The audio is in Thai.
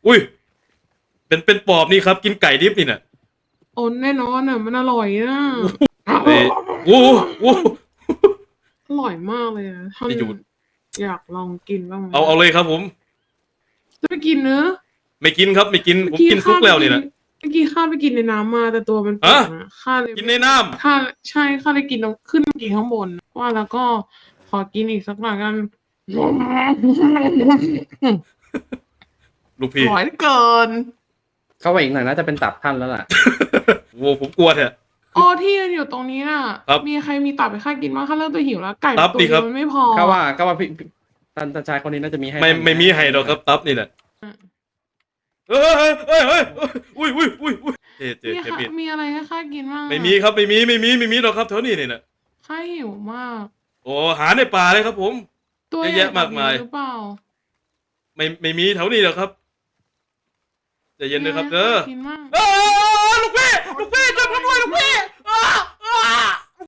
อุ้ยเป็นปอบนี่ครับกินไก่ดิบนี่น่ะโอ้แน่นอนอ่ะมันอร่อยนะเอ้ยโอ้โหอร่อยมากเลยอะท่านจะอยู่อยากลองกินบ้างไหมเอาเลยครับผมจะไปกินเนอะไม่กินครับไม่กินผมกินซุกแล้วนี่นะเมื่อกี้ข้าไปกินในน้ำมาแต่ตัวมันเปียกนะข้าเลยกินในน้ำข้าใช่ข้าเลยกินตรงขึ้นมากินข้างบนว่าแล้วก็ขอกินอีกสักหน่อยกันลูกอพี่ร่อยเหลือเกินเข้าไปอีกหน่อยน่าจะเป็นตับท่านแล้วล่ะโว้ผมกลัวเถอะอ๋อที่ยืนอยู่ตรงนี้น่ะครับมีใครมีตับให้ข้ากินบ้างข้าเริ่มจะหิวแล้วไก่ตับตัวดิเดีครัยบวมันไม่พอก็ว่าท่านชายคนนี้น่าจะมีให้ไม่มีให้หรอกครับตับนี่แหละเฮ้ยอุ้ยเจ๊มีมีดมีอะไรให้ข้ากินบ้างอะไม่มีครับไม่มีหรอกครับแถวนี้นี่นะข้าหิวมากโอ้หาในป่าเลยครับผมตัวเยอะใหญ่แยะมากมายหรือเปล่าไม่มีแถวนี้หรอกครับใจเย็นนะครับเด้อมีะไรให้ข้ากินบ้างเอ้